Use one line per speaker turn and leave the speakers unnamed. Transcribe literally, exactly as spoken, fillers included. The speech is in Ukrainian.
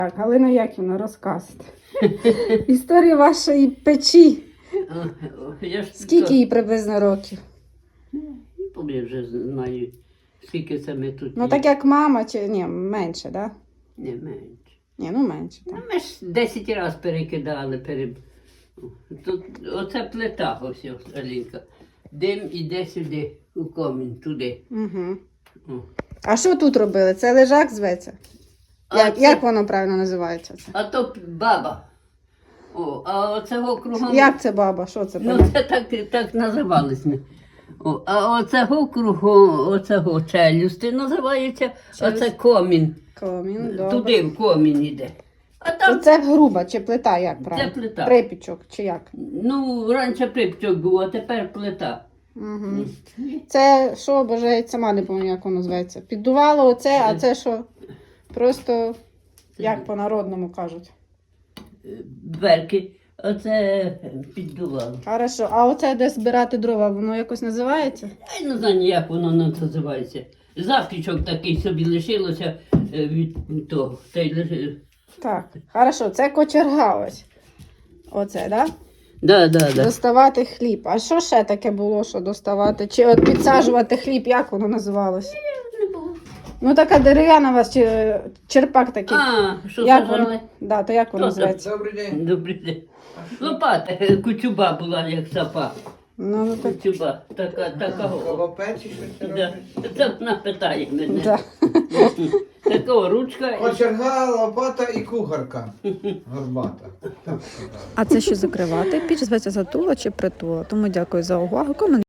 Так, Галина Яківна, розказуйте. Історія вашої печі.
Я ж
Скільки їй приблизно років?
Я вже знаю, скільки це ми тут.
Ну
є.
так як мама, чи ні, менше, так? Да?
Не менше.
Ні, ну менше.
Ну,
Так.
ми ж десять разів перекидали. Пере... Тут, оце плита, ось, ось, Алінка. Дим іде сюди, у комін, туди.
Угу.
О.
А що тут робили? Це лежак зветься?
А
Як,
це-
як воно правильно називається? Це?
А то баба. О, а оцього кругом.
Як це баба? Що це?
Ну,
понятно?
це так, так називались ми. О, а оцього кругу, оцього челюсти називається,
Челюсть.
оце комін.
Комін, добре.
Туди в комін іде. А
То
там,
це груба чи плита, як правильно?
плита.
Припічок, чи як?
ну, раніше припчок був, а тепер плита.
Угу. Це що, боже, я сама не пам'ятаю, як воно зветься. Піддувало оце, а це що? Просто, як по-народному кажуть.
Дверки, оце піддувало.
Хорошо, а оце де збирати дрова, воно якось називається?
Я не знаю, як воно називається. Запічок такий собі лишилося е, від того. Та й лиши-
Так, хорошо, це кочерга ось. Оце, да?
Да, да, да.
Доставати хліб. А що ще таке було, що доставати? Чи от підсаджувати хліб, як воно називалося? Ну така дерев'яна у вас, чи е, черпак такий.
А, що
як
сажали?
воно? Да, то як воно
Що це?
називається?
Добрий день.
Добрий день. Лопата, е, кучуба була, як сапа.
Ну, ну так.
Кучуба, така, такого.
Колопеці щось це
Да.
робить?
Це вона питає мене.
Да.
Такого ручка. і-
Кочерга, лопата і кухарка. Горбата. Так сказали.
А це що закривати? Піч зветься затула чи притула. Тому дякую за увагу. Коментуйте.